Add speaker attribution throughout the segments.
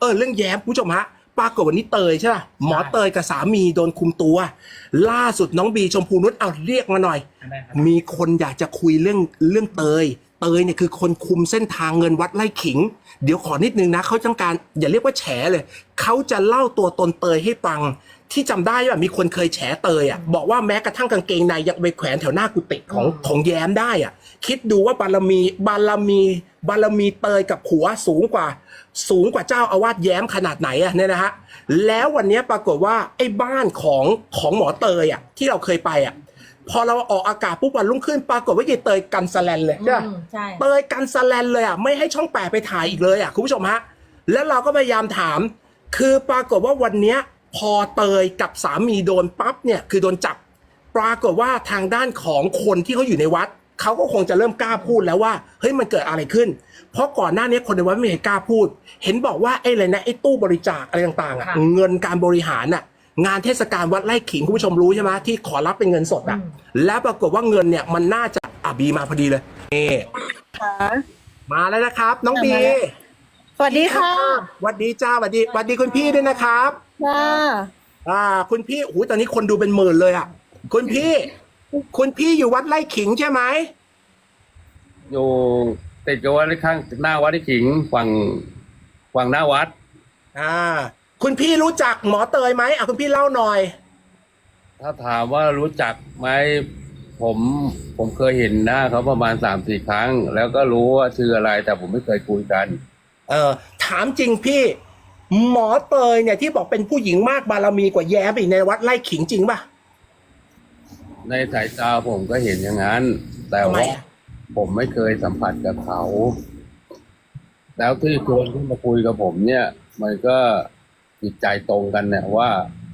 Speaker 1: เรื่องแย้มคุณผู้ชมฮะปรากฏวันนี้เตยใช่ป่ะหมอเตยกับสามีโดนคุมตัวล่าสุดน้องบีชมพูนุชเอาเรียกมาหน่อยมีคนอยากจะคุยเรื่องเตยเนี่ยคือคนคุมเส้นทางเงินวัดไร่ขิงเดี๋ยวขอนิดนึงนะเขาต้องการอย่าเรียกว่าแฉเลยเขาจะเล่าตัวตนเตยให้ฟังที่จำได้ว่ามีคนเคยแฉเตยอ่ะบอกว่าแม้กระทั่งกางเกงในยังไปแขวนแถวหน้ากุฏิของแย้มได้อ่ะคิดดูว่าบารมีเตยกับผัวสูงกว่าเจ้าอาวาสแย้มขนาดไหนอ่ะเนี่ยนะฮะแล้ววันนี้ปรากฏว่าไอ้บ้านของหมอเตยอ่ะที่เราเคยไปอ่ะพอเราออกอากาศปุ๊บวันรุ่งขึ้นปรากฏว่ายายเตยกันสแลนเลยใช่ไหมเตยกันสแลนเลยอ่ะไม่ให้ช่องแปดไปถ่ายอีกเลยอ่ะคุณผู้ชมฮะแล้วเราก็พยายามถามคือปรากฏว่าวันเนี้ยพอเตยกับสามีโดนปั๊บเนี่ยคือโดนจับปรากฏว่าทางด้านของคนที่เขาอยู่ในวัดเขาก็คงจะเริ่มกล้าพูดแล้วว่าเฮ้ยมันเกิดอะไรขึ้นเพราะก่อนหน้านี้คนในวัดไม่เห็นกล้าพูดเห็นบอกว่าไอ้อะไรนะไอ้ตู้บริจาคอะไรต่างๆอ่ะเงินการบริหารอ่ะงานเทศกาลวัดไร่ขิงคุณผู้ชมรู้ใช่ไหมที่ขอรับเป็นเงินสดอ่ะแล้วปรากฏว่าเงินเนี่ยมันน่าจะบีมาพอดีเลยนี่มาแล้วนะครับน้องบี
Speaker 2: สวัสดีค่ะ
Speaker 1: สวัสดีจ้าสวัสดีคุณพี่ด้วยนะครับ
Speaker 2: ค่ะ
Speaker 1: คุณพี่โอ้โหตอนนี้คนดูเป็นหมื่นเลยอ่ะคุณพี่อยู่วัดไร่ขิงใช่ไหม
Speaker 3: อยู่ติดกับวัดข้างหน้าวัดที่ขิงฝั่งหน้าวัด
Speaker 1: คุณพี่รู้จักหมอเตยไหมคุณพี่เล่าหน่อย
Speaker 3: ถ้าถามว่ารู้จักไหมผมเคยเห็นหน้าเขาประมาณ3-4 ครั้งแล้วก็รู้ว่าชื่ออะไรแต่ผมไม่เคยคุยกัน
Speaker 1: ถามจริงพี่หมอเตยเนี่ยที่บอกเป็นผู้หญิงมากบารมีกว่าแย้มอีกในวัดไร่ขิงจริงป่ะ
Speaker 3: ในสายตาผมก็เห็นอย่างนั้นแต่ว่าผมไม่เคยสัมผัสกับเขาแล้วที่ชวนขึ้นมาคุยกับผมเนี่ยมันก็จิตใจตรงกันเนี่ยว่า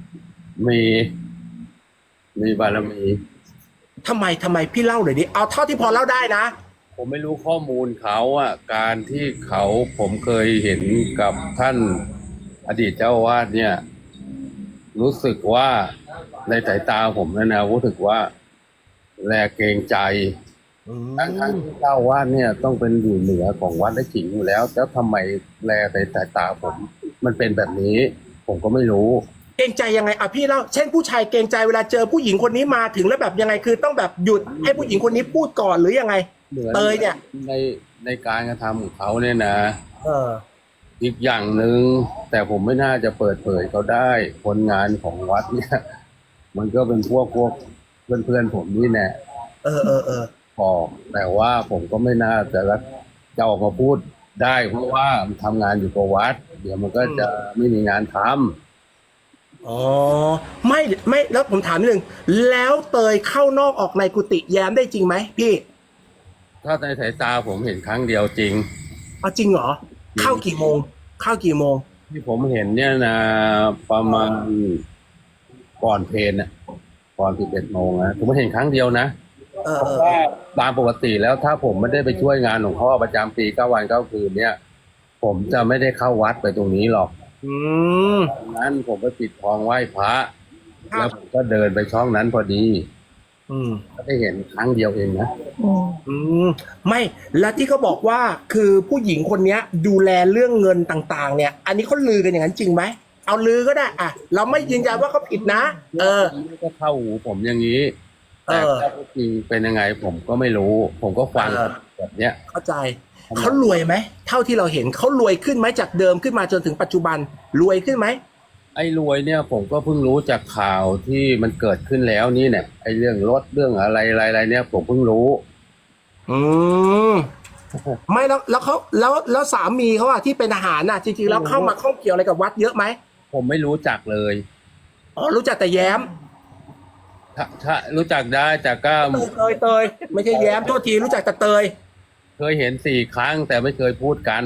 Speaker 3: มีบารมี
Speaker 1: ทำไมพี่เล่าหน่อยดิเอาเท่าที่พอเล่าได้นะ
Speaker 3: ผมไม่รู้ข้อมูลเขาอ่ะการที่ผมเคยเห็นกับท่านอดีตเจ้าอาวาสเนี่ยรู้สึกว่าในสายตาผมนะรู้สึกว่าแลเกรงใจทั้งที่เจ้าอาวาสเนี่ยต้องเป็นอยู่เหนือของวัดไร่ขิงอยู่แล้วทำไมแลในสายตาผมมันเป็นแบบนี้ผมก็ไม่รู้
Speaker 1: เกรงใจยังไงพี่เล่าเช่นผู้ชายเกรงใจเวลาเจอผู้หญิงคนนี้มาถึงแล้วแบบยังไงคือต้องแบบหยุดให้ผู้หญิงคนนี้พูดก่อนหรือยังไงเตยเนี่ย
Speaker 3: ในการกระทำของเขาเนี่ยนะอีกอย่างหนึ่งแต่ผมไม่น่าจะเปิดเผยเขาได้คนงานของวัดเนี่ยมันก็เป็นพวกเพื่อนผมนี่แน่บอกแต่ว่าผมก็ไม่น่าจะออกมาพูดได้เพราะว่าทำงานอยู่กับวัดเดี๋ยวมันก็จะไม่มีงานทำ
Speaker 1: ไม่แล้วผมถามนิดนึงแล้วเตยเข้านอกออกในกุฏิแย้มได้จริงไหมพี่
Speaker 3: ถ้าในสายตาผมเห็นครั้งเดียวจริง
Speaker 1: จริงเหรอเข้ากี่โมง
Speaker 3: ที่ผมเห็นเนี่ยนะประมาณก่อนเพลน่ะก่อน11 โมงนะผมเห็นครั้งเดียวนะตามปกติแล้วถ้าผมไม่ได้ไปช่วยงานหลวงพ่อประจำปี9 วัน 9 คืนเนี่ยผมจะไม่ได้เข้าวัดไปตรงนี้หรอกนั้นผมไปปิดทองไหว้พระแล้วผมก็เดินไปช่องนั้นพอดีก็ได้เห็นครั้งเดียวเองนะ
Speaker 1: ไม่แล้วที่เขาบอกว่าคือผู้หญิงคนนี้ดูแลเรื่องเงินต่างๆเนี่ยอันนี้เขาลือกันอย่างนั้นจริงไหมเอาลือก็ได้เราไม่ยืนยันว่าเขาผิดนะ
Speaker 3: ก็เข้าหูผมอย่างนี้แต่ถ้าจริงเป็นยังไงผมก็ไม่รู้ผมก็ฟังแบบเนี้ย
Speaker 1: เข้าใจเขารวยไหมเท่าที่เราเห็นเขารวยขึ้นไหมจากเดิมขึ้นมาจนถึงปัจจุบันรวยขึ้นไหม
Speaker 3: ไอ้รวยเนี่ยผมก็เพิ่งรู้จากข่าวที่มันเกิดขึ้นแล้วนี่เนี่ยไอ้เรื่องรถเรื่องอะไรเนี่ยผมเพิ่งรู้
Speaker 1: ไม่แล้วเขาแล้วสามีเขาที่เป็นทหารจริงๆแล้วเข้ามาข้องเกี่ยวอะไรกับวัดเยอะไหม
Speaker 3: ผมไม่รู้จักเลย
Speaker 1: รู้จักแต่แย้ม
Speaker 3: ถ้ารู้จักได้จากก็
Speaker 1: เตยไม่ใช่แย้มโทษทีรู้จักแต่เตย
Speaker 3: เคยเห็น4 ครั้งแต่ไม่เคยพูดกัน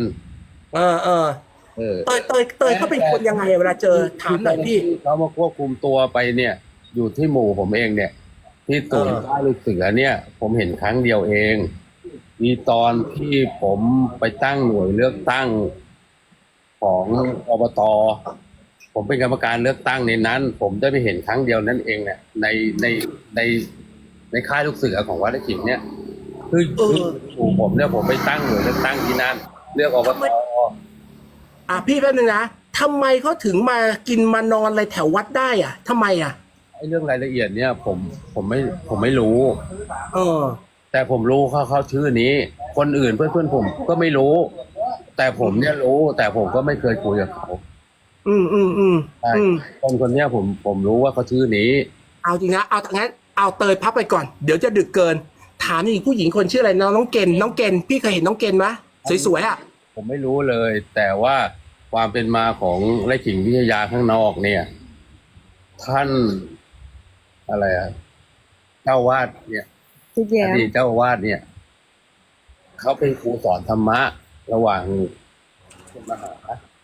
Speaker 1: เตยเขาเป็นคนยังไงเวลาเจอถามหน่อยพี่
Speaker 3: เขามาควบคุมตัวไปเนี่ยอยู่ที่หมู่ผมเองเนี่ยที่ศูนย์ค่ายลูกเสือเนี่ยผมเห็นครั้งเดียวเองมีตอนที่ผมไปตั้งหน่วยเลือกตั้งของอบต.ผมเป็นกรรมการเลือกตั้งในนั้นผมได้ไปเห็นครั้งเดียวนั่นเองเนี่ยในค่ายลูกเสือของวัดไร่ขิงเนี่ยคือผมเนี่ยผมไปตั้งหน่วยเลือกตั้งที่นั่นเลือกอบต.
Speaker 1: พี่แป๊บนึงนะทำไมเขาถึงมากินมานอนอะไรแถววัดได้อ่ะทำไมอ่ะ
Speaker 3: ไอ้เรื่องรายละเอียดเนี่ยผมไม่รู้
Speaker 1: เออ
Speaker 3: แต่ผมรู้เขาชื่อนี้ คนอื่นเพื่อนผมก็ไม่รู้ แต่ผมเนี่ยรู้ แต่ผมก็ไม่เคยคุยกับเขา ใช่ คนเนี้ยผมรู้ว่าเขาชื่อนี้
Speaker 1: เอาจริงนะเอางั้นเอาเตยพับไปก่อนเดี๋ยวจะดึกเกิน ถามอีกผู้หญิงคนชื่ออะไรน้องเกณฑ์พี่เคยเห็นน้องเกณฑ์ไหมสวยๆอ่ะ
Speaker 3: ผมไม่รู้เลย แต่ว่าความเป็นมาของไร่ขิงวิทยาข้างนอกเนี่ย ท่านอะไรอะเจ้าวาดเนี่ย
Speaker 2: ทิดแย้
Speaker 3: อ
Speaker 2: ม
Speaker 3: ดีตเจ้าวาดเนี่ยเขาเป็นครูสอนธรรมะ ระหว่างคุณมหา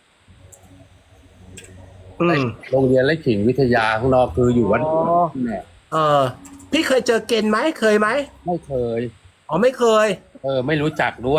Speaker 3: โรงเรียนไร่ขิงวิทยาข้างนอกคืออยู่วัดเนี่ย
Speaker 1: เออพี่เคยเจอเกณฑ์ไหมเคยไหม
Speaker 3: ไม่เคย
Speaker 1: อ๋อไม่เคย
Speaker 3: ไม่รู้จักด้วย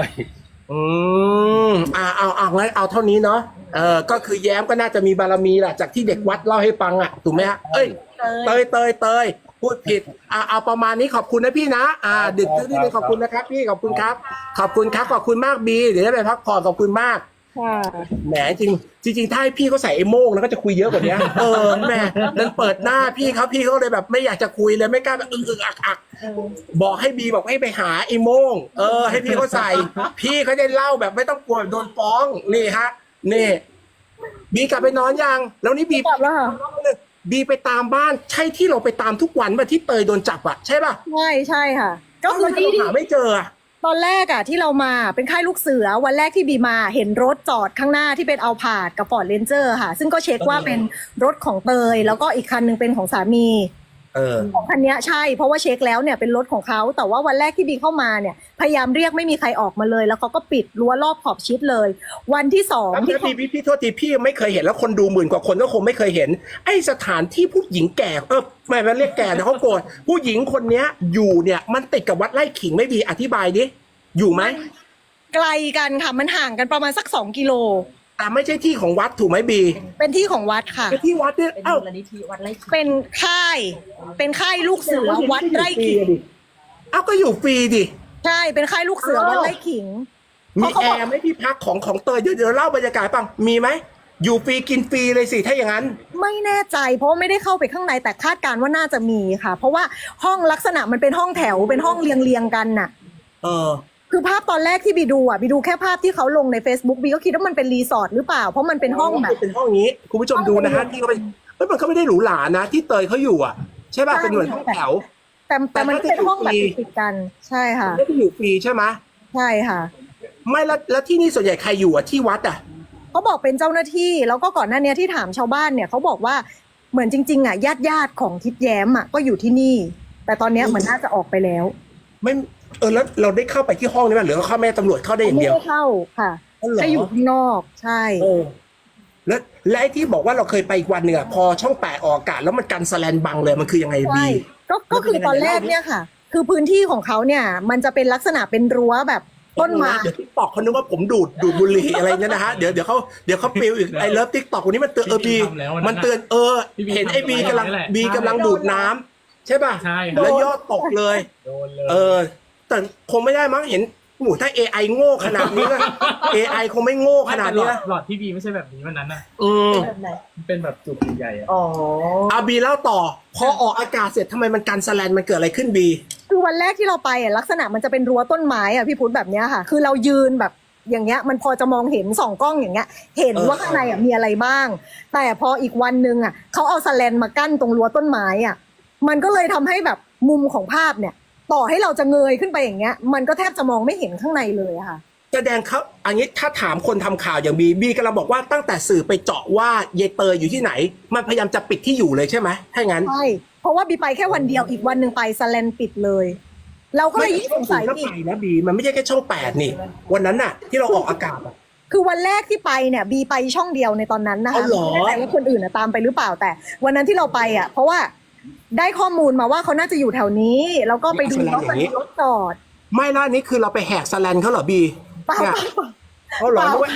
Speaker 1: เอางั้นเอาเท่านี้เนาะก็คือแย้มก็น่าจะมีบารมีแหละจากที่เด็กวัดเล่าให้ฟังอ่ะถูกไหมฮะเอ้ยเตยพูดผิดเอาประมาณนี้ขอบคุณนะพี่นะดึกที่นี่ขอบคุณนะครับพี่ขอบคุณครับขอบคุณมากบีเดี๋ยวได้ไปพักผ่อนขอบคุณมาก
Speaker 2: ค่ะ
Speaker 1: แหมจริงถ้าให้พี่เขาใส่ไอ้โม่งแล้วก็จะคุยเยอะกว่านี้แหมนั้นเปิดหน้าพี่เขาเลยแบบไม่อยากจะคุยเลยไม่กล้าแบบอักบอกให้บีบอกให้ไปหาไอ้โม่งให้พี่เขาใส่ พี่เขาได้เล่าแบบไม่ต้องกลัวโดนฟ้องนี่ฮะนี่บีกลับไปนอนยังแล้วนี่บี
Speaker 2: กลับแล้วค่ะ
Speaker 1: บีไปตามบ้านใช่ที่เราไปตามทุกวันป่ะที่เตยโดนจับอ่ะใช่ป่ะ
Speaker 2: ใช่ค่ะ ก็คือ
Speaker 1: ที่
Speaker 2: ที่
Speaker 1: หาไม่เจออะ
Speaker 2: ตอนแรกอ่ะที่เรามาเป็นค่ายลูกเสือวันแรกที่บีมาเห็นรถจอดข้างหน้าที่เป็นเอาผาดกับฟอร์ดเรนเจอร์ค่ะ ซึ่งก็เช็คว่าเป็นรถของเตยแล้วก็อีกคันนึงเป็นของสามีของคันเนี้ยใช่เพราะว่าเช็คแล้วเนี่ยเป็นรถของเขาแต่ว่าวันแรกที่บีเข้ามาเนี่ยพยายามเรียกไม่มีใครออกมาเลย แล้วเขาก็ปิดรั้วรอบขอบชิดเลย วันที่สอง
Speaker 1: แล้ว
Speaker 2: ที่
Speaker 1: พี่โทษทีพี่ยังไม่เคยเห็นแล้วคนดูหมื่นกว่าคนก็คงไม่เคยเห็น ไอสถานที่ผู้หญิงแก่ไม่เรียกแก่นะเขาโกรธผู้หญิงคนเนี้ยอยู่เนี่ยมันติดกับวัดไร่ขิงไม่ดีอธิบายดิอยู่ไหม
Speaker 2: ไกลกันค่ะมันห่างกันประมาณสัก2 กิโล
Speaker 1: แต่ไม่ใช่ที่ของวัดถูกไหมบี
Speaker 2: เป็นที่ของวัดค่ะ
Speaker 1: เป็นที่วัดเนี่ย
Speaker 4: เป็น
Speaker 1: เอ้า
Speaker 4: มูลนิธิวัดไร่ขิง
Speaker 2: เป็นค่ายลูกเสือวัดไร่ขิง
Speaker 1: เอ้าก็อยู่ฟรีดิ
Speaker 2: ใช่เป็นค่ายลูกเสือวัดไร่ขิง
Speaker 1: มีแอร์ไหมที่พักของเตยเดี๋ยวเล่าบรรยากาศปังมีไหมอยู่ฟรีกินฟรีเลยสิถ้าอย่างนั้น
Speaker 2: ไม่แน่ใจเพราะว่าไม่ได้เข้าไปข้างในแต่คาดการณ์ว่าน่าจะมีค่ะ เพราะว่าห้องลักษณะมันเป็นห้องแถวเป็นห้องเรียงกันน่ะ คือภาพตอนแรกที่บีดูแค่ภาพที่เขาลงใน Facebook บีก็คิดว่ามันเป็นรีสอร์ทหรือเปล่าเพราะมันเป็นห้องแบบ
Speaker 1: เป็นห้องนี้คุณผู้ชมดูนะฮะที่เขาไปมันก็ไม่ได้หรูหรานะที่เตยเขาอยู่อ่ะใช่ป่ะเป็นเหมือนห้องแถว
Speaker 2: แต่มันเป็นห้องแบบติดกันใช่ค่ะ
Speaker 1: ไม่ได้อยู่ฟรีใช่ไหม
Speaker 2: ใช่ค่ะ
Speaker 1: ไม่แล้วที่นี่ส่วนใหญ่ใครอยู่อ่ะที่วัดอ่ะ
Speaker 2: เขาบอกเป็นเจ้าหน้าที่แล้วก็ก่อนหน้านี้ที่ถามชาวบ้านเนี่ยเขาบอกว่าเหมือนจริงๆอ่ะญาติของทิดแย้มอ่ะก็อยู่ที่นี่ แต่ตอนเนี้ยเหมือนน่าจะออกไปแล้ว
Speaker 1: ไม่แล้วเราได้เข้าไปที่ห้องนี้ไหมหรือเข้าแม่ตำรวจเข้าได้อย่าง
Speaker 2: ไม่
Speaker 1: เดียว
Speaker 2: ได้เข้าค่ะ
Speaker 1: อ๋อเหรอ
Speaker 2: ให้อยู่ข้างนอกใช่
Speaker 1: และไอ้ที่บอกว่าเราเคยไปอีกวันหนึ่งอ่ะพอช่องแปดออกอากาศแล้วมันกันสแลนบังเลยมันคือยังไงบี
Speaker 2: ใช่ก็คือตอนแรกเนี่ยค่ะ คือพื้นที่ของเขาเนี่ย มันจะเป็นลักษณะเป็นรั้วแบบต้นไม้
Speaker 1: เดี๋ยวทิกตอกเขานึกว่าผมดูดบุหรี่อะไรเนี่ยนะฮะเดี๋ยวเขาปิวอีกไอเลิฟทิกตอกวันนี้มันเตือนบีมันเตือนเห็นไอ้บีกำลังดูดน้ำใช่ป่ะ
Speaker 4: ใช่ครับ
Speaker 1: แล้วยอดตกเลย
Speaker 4: โดนเลย
Speaker 1: แต่คงไม่ได้มั้งเห็นหมูถ้า AI โง่ขนาดนี้นะ AI คงไม่โง่ขนาดนี้นะ
Speaker 4: หลอดที่บีไม่ใช่แบบนี้วันนั้นน่ะ
Speaker 2: แบบไหน
Speaker 4: มันเป็นแบบจุกใหญ่ๆอะ
Speaker 2: อ๋อ
Speaker 1: เอาบีเล่าต่อ พอออกอากาศเสร็จทำไมมันกันสแลนมันเกิดอะไรขึ้นบี
Speaker 2: คือวันแรกที่เราไปอ่ะลักษณะมันจะเป็นรั้วต้นไม้อ่ะพี่พุทธแบบเนี้ยค่ะ คือเรายืนแบบอย่างเงี้ยมันพอจะมองเห็นส่องกล้องอย่างเงี้ย เห็นว่าข้างในอ่ะมีอะไรบ้าง แต่พออีกวันนึงอ่ะเขาเอาสแลนมากั้นตรงรั้วต้นไม้อ่ะมันก็เลยทำให้แบบมุมของภาพเนี่ย ต่อให้เราจะเงยขึ้นไปอย่างเงี้ย มันก็แทบจะมองไม่เห็นข้างในเลยอะค่ะ
Speaker 1: แสดงเขาอันนี้ถ้าถามคนทำข่าวอย่างบีกำลังบอกว่าตั้งแต่สื่อไปเจาะว่าเยเตยอยู่ที่ไหน มันพยายามจะปิดที่อยู่เลยใช่ไหมถ้างั้น
Speaker 2: ใช่เพราะว่าบีไปแค่วันเดียวอีกวันหนึ่งไปสแลนปิดเลย เราก็เลยยิ่งสงสัย
Speaker 1: ก็
Speaker 2: อี
Speaker 1: ไป
Speaker 2: ก
Speaker 1: นะบีมันไม่ใช่แค่ช่อง8นี่ วันนั้นน่ะ ที่เราออกอากาศอะ
Speaker 2: คือวันแรกที่ไปเนี่ยบีไปช่องเดียวในตอนนั้นนะคะ
Speaker 1: อ๋อเหรอ
Speaker 2: ไม่แน่ใจว่าคนอื่นน่ะตามไปหรือเปล่าแต่ วันนั้นที่เราไปอ่ะ เพราะว่าได้ข้อมูลมาว่าเขาน่าจะอยู่แถวนี้แล้วก็ไปดูว่ามันมีรถจอด
Speaker 1: ไม่ล่ะนี่คือเราไปแหกสแลนเขาเหรอบี
Speaker 2: เปล่า
Speaker 1: เนี่ย
Speaker 2: เปล่า
Speaker 1: เขาเหรอด้วย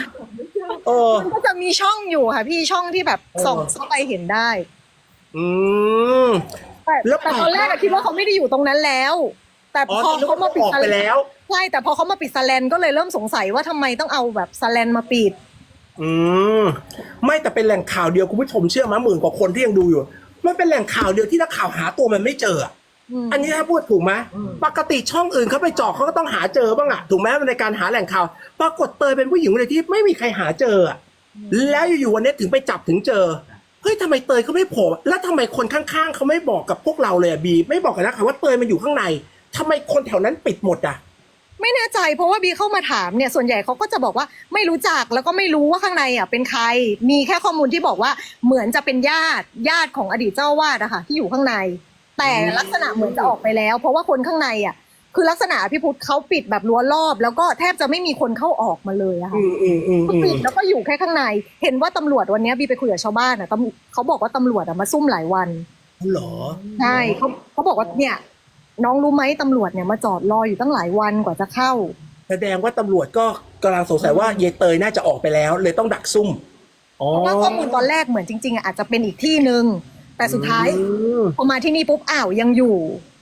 Speaker 2: มันก็จะมีช่องอยู่ค่ะพี่ช่องที่แบบส่องเข้าไปเห็นได้
Speaker 1: อืม
Speaker 2: แต่
Speaker 1: แล้ว
Speaker 2: แต่ตอนแรกอะคิดว่าเขาไม่ได้อยู่ตรงนั้นแล้ว แต่พอเขามาปิด
Speaker 1: ออกไปแล้ว
Speaker 2: ใช่แต่พอเขามาปิดสแลนก็เลยเริ่มสงสัยว่าทำไมต้องเอาแบบสแลนมาปิด
Speaker 1: อืมไม่แต่เป็นแหล่งข่าวเดียวคุณผู้ชมเชื่อไหมหมื่นกว่าคนที่ยังดูอยู่มันเป็นแหล่งข่าวเดียวที่นักข่าวหาตัวมันไม่เจออะอันนี้ถ้าพูดถูกไหมปกติช่องอื่นเขาไปเจาะเขาก็ต้องหาเจอบ้างอะถูกไหมในการหาแหล่งข่าวปรากฏเตยเป็นผู้หญิงเลยที่ไม่มีใครหาเจออะแล้วอยู่ๆวันนี้ถึงไปจับถึงเจอเฮ้ยทำไมเตยเขาไม่โผล่แล้วทำไมคนข้างๆเขาไม่บอกกับพวกเราเลยอะบีไม่บอกกันนะค่ะว่าเตยมันอยู่ข้างในทำไมคนแถวนั้นปิดหมดอะ
Speaker 2: ไม่แน่ใจเพราะว่าบีเข้ามาถามเนี่ยส่วนใหญ่เขาก็จะบอกว่าไม่รู้จักแล้วก็ไม่รู้ว่าข้างในอ่ะเป็นใครมีแค่ข้อมูลที่บอกว่าเหมือนจะเป็นญาติของอดีตเจ้าวาดอะค่ะที่อยู่ข้างใน แต่ลักษณะเหมือนจะออกไปแล้ว เพราะว่าคนข้างในอ่ะคือลักษณะพี่พุทธเขาปิดแบบรั้วรอบ แล้วก็แทบจะไม่มีคนเข้าออกมาเลยอะค่ะปิดแล้วก็อยู่แค่ข้างใน เห็นว่าตำรวจวันนี้บีไปคุยกับชาวบ้านอ่ะเขาบอกว่าตำรวจอะมาซุ่มหลายวัน
Speaker 1: เหรอ
Speaker 2: ใช่เขาบอกว่าเนี่ยน้องรู้ไหมตำรวจเนี่ยมาจอดรออยู่ตั้งหลายวันกว่าจะเข้า
Speaker 1: แสดงว่าตำรวจก็กำลังสงสัยว่าเยเตยน่าจะออกไปแล้ว เลยต้องดักซุ่มอ๋อ
Speaker 2: เพราะว่าข้อมูลตอนแรกเหมือนจริงๆอ่ะอาจจะเป็นอีกที่หนึ่งแต่สุดท้ายพอมาที่นี่ปุ๊บอ้าวยังอยู่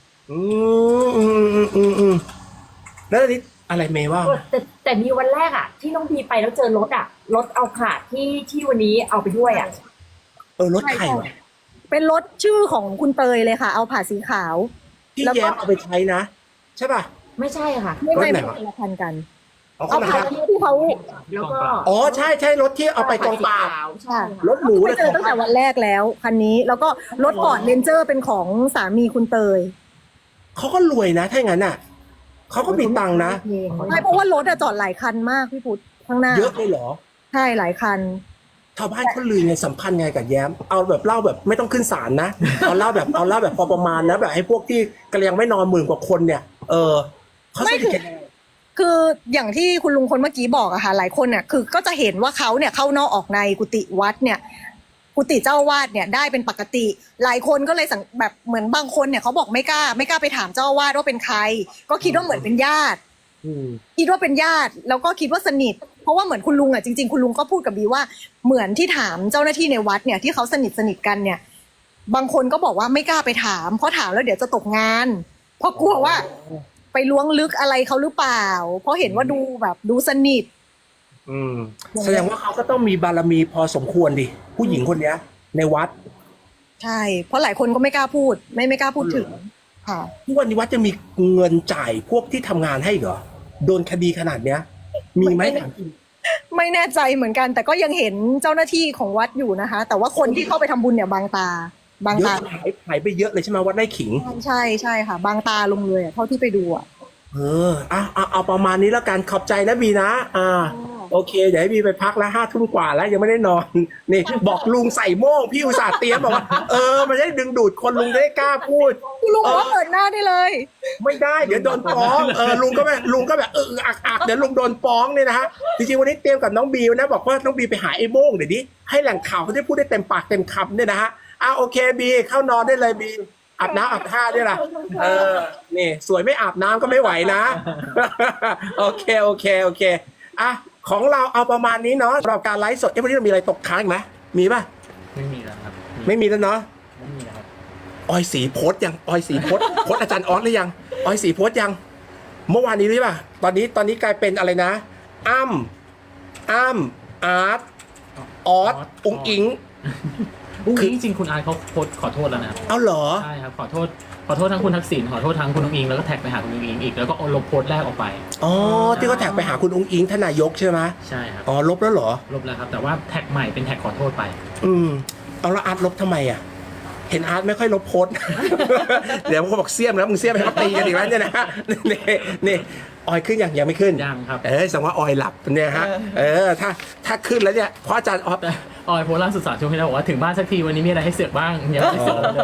Speaker 1: แล้วอันนี้อะไรเมย์ว่า
Speaker 5: แต่มีวันแรกอะที่น้องบีไปแล้วเจอรถอะรถเอาขาดที่วันนี้เอาไปด้วยอะ
Speaker 1: รถใครวะ
Speaker 2: เป็นรถชื่อของคุณเตยเลยค่ะ เอาผ่าสีขาว
Speaker 1: ที่
Speaker 2: แล้วก็
Speaker 1: แย้มเอาไปใช้นะ ใช่ป่ะ
Speaker 5: ไม่ใช่ค่ะ
Speaker 2: ไม่
Speaker 1: รถไหน
Speaker 2: ไม่
Speaker 1: วะ
Speaker 2: คนละคันกัน
Speaker 1: เอา
Speaker 2: เอา
Speaker 1: เข้ามา
Speaker 2: ผ่าที่เขา
Speaker 5: แล้วก็
Speaker 1: อ๋อใช่ใช่รถที่เอาไปกองปราบ
Speaker 5: ใช่
Speaker 1: รถหมู
Speaker 2: ไป
Speaker 1: เลย
Speaker 2: เจอตั้งแต่วันแรกแล้วคันนี้แล้วก็รถฟอร์ดเรนเจอร์เป็นของสามีคุณเตย
Speaker 1: เขาก็รวยนะถ้าอย่างนั้นอ่ะเขาก็มีตังค์นะ
Speaker 2: ใช่เพราะว่ารถอะจอดหลายคันมากพี่พุทธข้างหน้า
Speaker 1: เยอะเลยเหรอ
Speaker 2: ใช่หลายคัน
Speaker 1: ชาวบ้านเขาลือไงสัมพันธ์ไงกับแย้ม เอาแบบเล่าแบบไม่ต้องขึ้นศาลนะ เอาเล่าแบบพอประมาณนะแบบให้พวกที่กำลังไม่นอนหมื่นกว่าคนเนี่ย เขาสนิทกัน
Speaker 2: คืออย่างที่คุณลุงคนเมื่อกี้บอกอะค่ะหลายคนเนี่ยคือก็จะเห็นว่าเขาเนี่ยเข้านอกออกในกุฏิวัดเนี่ยกุฏิเจ้าอาวาสเนี่ยได้เป็นปกติ หลายคนก็เลยแบบเหมือนบางคนเนี่ยเขาบอกไม่กล้าไปถามเจ้าอาวาสว่าเป็นใคร ก็คิดว่าเหมือนเป็นญาติคิดว่าเป็นญาติแล้วก็คิดว่าสนิทเพราะว่าเหมือนคุณลุงอะจริงๆคุณลุงก็พูดกับบีว่าเหมือนที่ถามเจ้าหน้าที่ในวัดเนี่ยที่เขาสนิทกันเนี่ย บางคนก็บอกว่าไม่กล้าไปถามเพราะถามแล้วเดี๋ยวจะตกงานเพราะกลัวว่า ไปล้วงลึกอะไรเขาหรือเปล่า เพราะเห็นว่าดูสนิท
Speaker 1: แสดงว่าเขาก็ต้องมีบารมีพอสมควรดิผู้หญิงคนเนี้ย ในวัด
Speaker 2: ใช่ เพราะหลายคนก็ไม่กล้าพูด ไม่กล้าพูดถึงค่ะ
Speaker 1: ทุกวันนี้วัดจะมีเงินจ่ายพวกที่ทำงานให้เหรอโดนคดีขนาดเนี้ย มีไหม
Speaker 2: ไม่แน่ใจเหมือนกัน แต่ก็ยังเห็นเจ้าหน้าที่ของวัดอยู่นะคะ แต่ว่าคนที่เข้าไปทำบุญเนี่ยบางตา
Speaker 1: เยอะหายไปเยอะเลยใช่ไหมวัดไร่ขิง
Speaker 2: ใช่ค่ะ บางตาลงเลยอะเท่าที่ไปดูอะ
Speaker 1: เอาประมาณนี้แล้วกันขอบใจนะบีนะโอเคเดี๋ยวให้บีไปพักแล้ว5 ทุ่มกว่าแล้วยังไม่ได้นอนนี่บอกลุงใส่โม่งพี่อุตส่าห์เตรียมบอกว่ามันจะได้ดึงดูดคนลุงจะได้กล้าพูด
Speaker 2: คุณลุงบอกว่าเปิดหน้าได้เลย
Speaker 1: ไม่ได้เดี๋ยวโดนฟ้องลุงก็แบบอักเดี๋ยวลุงโดนฟ้องเนี่ยนะฮะจริงๆวันนี้เตรียมกับน้องบีนะบอกว่าน้องบีไปหาไอ้โม่งเดี๋ยวนี้ให้แหล่งข่าวเขาได้พูดได้เต็มปากเต็มคำเนี่ยนะฮะโอเคบีเข้านอนได้เลยบีอาบน้ำอาบท่าด้วยล่ะนี่สวยไม่อาบน้ำก็ไม่ไหวนะ โอเคของเราเอาประมาณนี้เนาะสำหรับการไลฟ์สดวันนี้เรามีอะไรตกค้างอีกไหมมีป่ะ
Speaker 4: ไม่มีแล้วครับ
Speaker 1: ไม่มีแล้วเนาะ
Speaker 4: ไม่มีแล้วครับ
Speaker 1: ออยสีโพสยังออยสีโพสโพสอาจารย์ออสหรือยังออยสีโพสยังเมื่อวานนี้หรือเปล่าตอนนี้กลายเป็นอะไรนะอ้ำอาร์ตออสอุ๋งอิง
Speaker 4: จริงๆคุณอาร์ตเขาโพสต์ขอโทษแล้วนะ
Speaker 1: เอาเหรอ
Speaker 4: ใช่ครับขอโทษทั้งคุณทักษิณขอโทษทั้งคุณนุ้งอิงแล้วก็แท็กไปหาคุณนุ้งอิงอีกแล้วก็ลบโพสต์แรกออกไป
Speaker 1: อ๋อที่เขาแท็กไปหาคุณอุ๋งอิงท่านนายกใช่ไหม
Speaker 4: ใช่ครับ
Speaker 1: อ๋อลบแล้วเหรอ
Speaker 4: ลบแล้วครับแต่ว่าแท็กใหม่เป็นแท็กขอโทษไป
Speaker 1: เอาแล้วอาร์ตลบทำไมอ่ะเห็นอาร์ตไม่ค่อยลบโพสต์ เดี๋ยวเขาบอกเสี้ยมแล้วมึงเสี้ยมให้เขาตีกันอีกแล้วเนี่ยนะนี่ออยขึ้นยังไม่ขึ้น
Speaker 4: ยังครับ
Speaker 1: แสดงว่าออยหลับเนี่ยฮะถ้าขึ้นแล้วเนี่ยเพราะอาจารย์ออฟ
Speaker 4: ออยโพสต์ล่าสุด3 ชั่วโมงที่แล้วบอกว่าถึงบ้านสักทีวันนี้มีอะไรให้เสือกบ้างยังไม่ได้เสือกเลย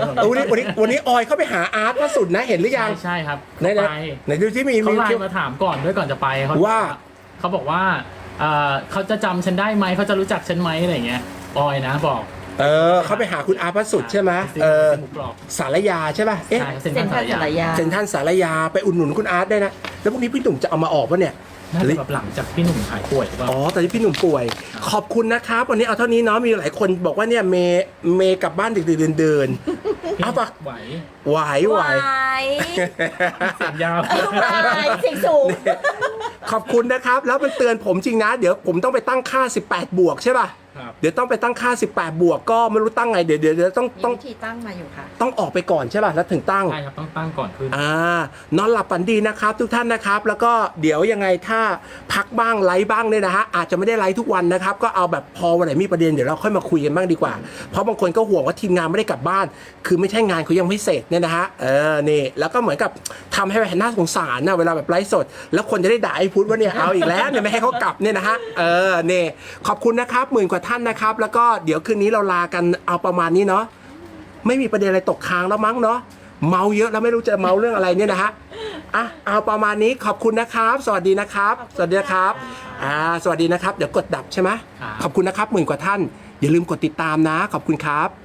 Speaker 1: วันนี้ออยเข้าไปหาอาร์ตล่าสุดนะเห็นหรือยัง
Speaker 4: ใช่ครับ
Speaker 1: ไหนดูที่มี
Speaker 4: เขาไลน์มาถามก่อนด้วยก่อนจะไปเขาบอกว่าเขาจะจำฉันได้ไหมเขาจะรู้จักฉันไหมอะไรเงี้ยออยนะบอก
Speaker 1: เขาไปหาคุณอาร์ตพระสุดใช่ไหมสารยาใช่ป่ะ
Speaker 4: ใช่เซ็นทรัลสารยา
Speaker 1: เซ็นทรัลสารยาไปอุดหนุนคุณอาร์ตได้นะแล้วพรุ่งนี้พี่หนุ่มจะเอามาออกป่ะเนี่ย
Speaker 4: น่าจะแบบหลังจากพี่หนุ่มหายป่วยหรือเปล่า
Speaker 1: ตอนนี้พี่หนุ่มป่วยขอบคุณนะครับวันนี้เอาเท่านี้เนาะมีหลายคนบอกว่าเนี่ยเมย์กลับบ้านดึกๆเดินเอาปะไหว
Speaker 5: เสียงยาวเสียงสูง
Speaker 1: อบคุณนะครับ แล้วมันเตือนผมจริงนะ เดี๋ยวผมต้องไปตั้งค่า18 บวกใช่ป่ะ
Speaker 4: ครับ
Speaker 1: เดี๋ยวต้องไปตั้งค่า18 บวกก็ไม่รู้ตั้งไงเดี๋ยวต้อง
Speaker 6: มีวิธีตั้งมาอยู่ค่ะ
Speaker 1: ต้องออกไปก่อนใช่ป่ะแล้วถึงตั้ง
Speaker 4: ใช่ครับต้องตั้งก่อนขึ้น
Speaker 1: นอนหลับฝันดีนะครับทุกท่านนะครับ แล้วก็เดี๋ยวยังไงถ้าพักบ้างไลฟ์บ้างเนี่ยนะฮะอาจจะไม่ได้ไลฟ์ทุกวันนะครับ ก็เอาแบบพอวันไหนมีประเด็นเดี๋ยวเราค่อยมาคุยกันบ้างดีกว่า เพราะบางคนก็ห่วงว่าทีมงานไม่ได้กลับบ้าน คือไม่ใช่งานเขายังไม่เสร็จเนี่ยนะฮะนี่แล้วก็เหมือนกับทำให้แบบน่าสงสารนะเวลาแบบไลฟ์สด แล้วคนจะได้ด่าไอ้พุทธว่าเนี่ยเอาอีกแล้วเนี่ยไม่ให้เขากลับเนี่ยนะฮะนี่ขอบคุณนะครับ10,000 กว่าท่านนะครับแล้วก็เดี๋ยวคืนนี้เราลากันเอาประมาณนี้เนาะไม่มีประเด็นอะไรตกค้างแล้วมั้งเนาะเมาเยอะแล้วไม่รู้จะเมาเรื่องอะไรเนี่ยนะฮะเอาประมาณนี้ขอบคุณนะครับ สวัสดีนะครับ สวัสดีนะครับสวัสดีนะครับเดี๋ยวกดดับใช่ไหม
Speaker 4: ครับ
Speaker 1: ขอบคุณนะครับ10,000 กว่าท่านอย่าลืมกดติดตามนะขอบคุณครับ